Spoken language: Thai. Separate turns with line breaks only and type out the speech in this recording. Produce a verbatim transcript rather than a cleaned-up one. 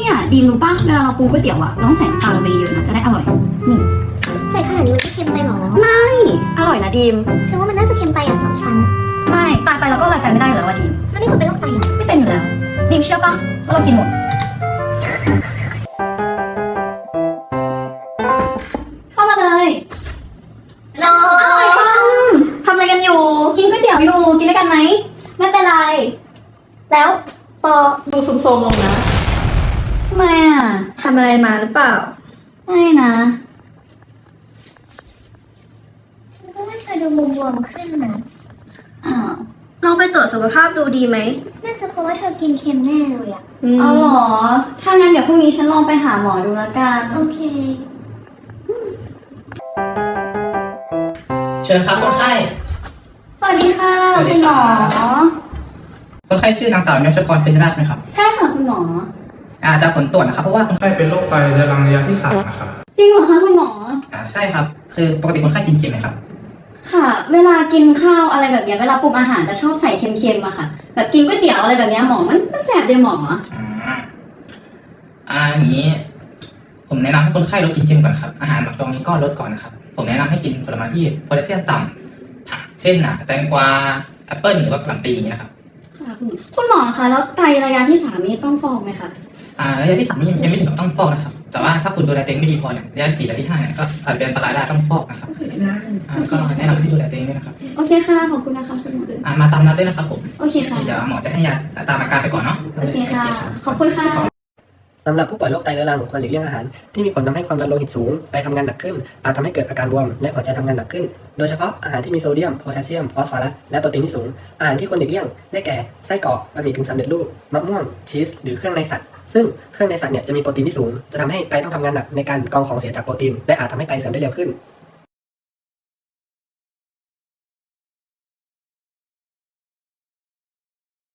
เนี่ยดีมรู้ป่ะเวลาเราปรุงก๋วยเตี๋ยวอะเราต้องใส่น้ำตาลลงไปเยอะนะจะได้อร่อยนี่
ใส่ขนาดนี้มันจะเค็มไปหรอ
ไม่อร่อยนะดีม
ฉันว่ามันน่าจะเค็มไปอ่ะสองชั้น
ไม่ตายไปเราก็อะไรไปไม่ได้อยู่แล้วว่าดีม
มันไม่ควรเป็นโรคไตหรอ
ไม่เป็นอยู่แล้วดีมเชื่อป่ะว่าเรากินหมดเข้ามาเลย
รอ
อะไรฟังทำอะไรกันอยู่กินก๋วยเตี๋ยวอยู่กินด้วยกันไหม
ไม่เป็นไร แล้วปอ
ดูซุมๆลงนะ
ทำไมอ่ะ
ทำอะไรมาหรือเปล่า
ไม่นะ
ฉันก็ว่าเธอดูบวมๆขึ้นนะ
อ้าว
ลองไปตรวจสุขภาพดูดีไหม
น่าจะเพราะว่าเธอกินเค็มแน่เลยอ่ะ
เอาเหรอถ้างั้นเดี๋ยวพรุ่งนี้ฉันลองไปหาหมอดูแล้วกัน
โอเค
เชิญครับคนไข้
สวัสดีค่ะ
สวัสดี
คุณหมอ
ครับ คนไข้ชื่อนางสาวยศพรเซนราชไหมครับ
ใช่ค่ะคุณหมอ
อาจจะผลตรวจนะครับเพราะว่าคน
ไข้เป็นโรคไตเรื้อรังระยะที่สามนะครับ
จริงเหรอคะคุณหมอ
อ่าใช่ครับ คือปกติคนไข้กินเค็มไหมครับ
ค่ะ เวลากินข้าวอะไรแบบเนี้ยเวลาปรุงอาหารจะชอบใส่เค็มๆอะค่ะ แบบกินก๋วยเตี๋ยวอะไรแบบเนี้ยหมอมันมันแสบเลยหมอ
อ่าอ่าอย่างนี้ ผมแนะนำให้คนไข้ลดกินเค็มก่อนครับ อาหารหมักดองนี้ก็ลดก่อนนะครับ ผมแนะนำให้กินผลไม้ที่โพแทสเซียมต่ำผักเช่นอ่ะแตงกวาแอปเปิ้ลหรือว่ากะหล่ำปลีอย่างนี้ยนะครับ
ค่ะคุณคุณหมอคะแล้วไตระยะที่สามนี้ต้องฟอกไหมคะ
อ่าระยะที่สามนี่ยังไม่ถึงกับต้องฟอกนะครับ แต่ว่าถ้าคุณดูแลตัวเองไม่ดีพอเนี่ยระยะที่สี่ระยะที่ห้าเนี่ยก็อาจเป็นอันตรายได้ต้องฟอกนะครับอ่าก็แนะนำให้ดูแลตัวเองด้วยนะครับ
โอเคค่ะขอบคุณนะคะคุณหมอ
อ่ามาตามนัดด้วยนะครับผม
โอเคค่ะ
เดี๋ยวหมอจะให้ยาตามอาการไปก่อนเนาะ
โอเคค่ะ ขอบคุณค่ะ
สำหรับผู้ป่วยโรคไตเรื้อรังควรหลีกเลี่ยงอาหารที่มีผลทำให้ความดันโลหิตสูงไตทำงานหนักขึ้นอาจทำให้เกิดอาการบวมและหัวใจทำงานหนักขึ้น โดยเฉพาะอาหารที่มีโซเดียมโพแทสเซียมฟอสฟอรัสและโปรตีนที่สูงอาหารที่ควรหลีกเลี่ยงได้แก่ไส้กรอกบะหมี่กึ่งสำเร็จรูปมะม่วงชีสหรือเครื่องในสัตว์ซึ่งเครื่องในสัตว์เนี่ยจะมีโปรตีนที่สูงจะทำให้ไตต้องทำงานหนักในการกรองของเสียจากโปรตีนและอาจทำให้ไตเสื่อมได้เร็วขึ้น